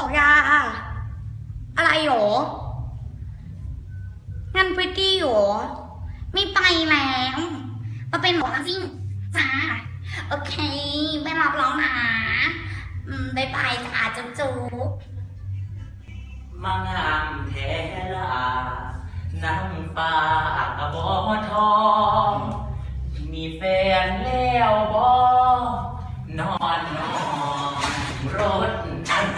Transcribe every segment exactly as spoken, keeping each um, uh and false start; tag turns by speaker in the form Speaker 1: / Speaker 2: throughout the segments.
Speaker 1: ลยาอะไรหรอ งานพริตตี้หรอ ไม่ไปแล้วมาเป็นหมอจริงจ้า โอเค ไม่รับแล้วนะ อืมบายบายจ้าจุ๊บจุ๊บ
Speaker 2: มางามแท้ละน้ำฟ้ากระบอทอง มีแฟนแล้วบอนอนนอนรถนา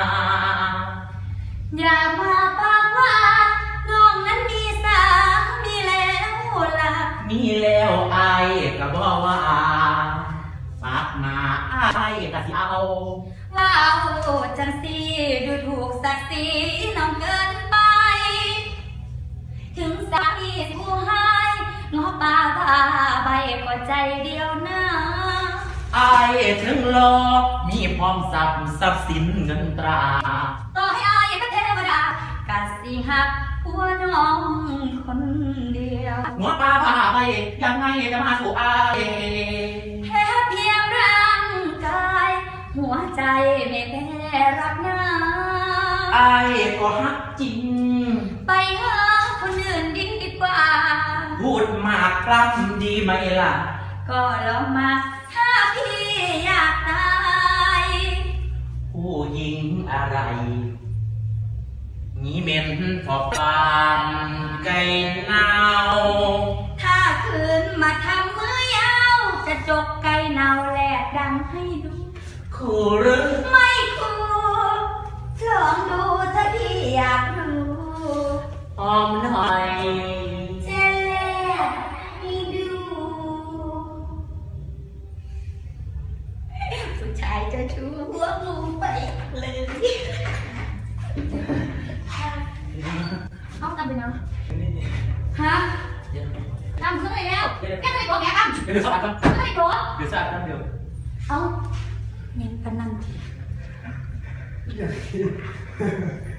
Speaker 1: อย่ามาปากว่าน้องนั้นมีสามีแล้วล่ะ
Speaker 2: มีแล้วไอ้กระบอว่าฝากมาไอ้กะสิเอา
Speaker 1: ว้าวจังสีดูถูกศักดิ์ศรีน้องเกินไป ถึงสามีผู้ให้ง้อป่าพาใบก็ใจเดียวนะ
Speaker 2: ไอ้ถึงรอมีพร้อมทรัพย์ทรัพย์สินเงินตรา
Speaker 1: ต่อให้อายเป็นเทวดากะสิหักผัวน้องคนเดียว
Speaker 2: หัวปลาพาไปยังไงจะมาสู่ไอ้
Speaker 1: แค่เพียงร่างกาย หัวใจไม่แพ้รักนะ
Speaker 2: ไอ้ก็ฮักจริง
Speaker 1: ไปหาคนอื่นดีกว่า
Speaker 2: พูดมากกล้ำดีไหมล่ะ
Speaker 1: ก็ลองมาถ้าพี่อยากตาย
Speaker 2: ผู้หญิงอะไรนี่เม็นพอปานไก่เนา
Speaker 1: ถ้าคืนมาทำมือยาวจะจกไก่เนาแหลกดังให้ดู
Speaker 2: คู่หรือ
Speaker 1: ไม่คูลองดูถ้าพี่อยากรู้
Speaker 2: หอมหน่อย
Speaker 1: จะแลกให้ดูผู้ชายจะชูหัวงูไปเลยเอาตามไปนะฮะตามขึ้นไปแล้วแค่ไหนตัวแกกัน
Speaker 2: เดี๋ยวสะอาดครับ
Speaker 1: ขึ้นไปตัว
Speaker 2: เดี๋ยวสะอาดครับเดี๋ยว
Speaker 1: เอาเน้นพนันที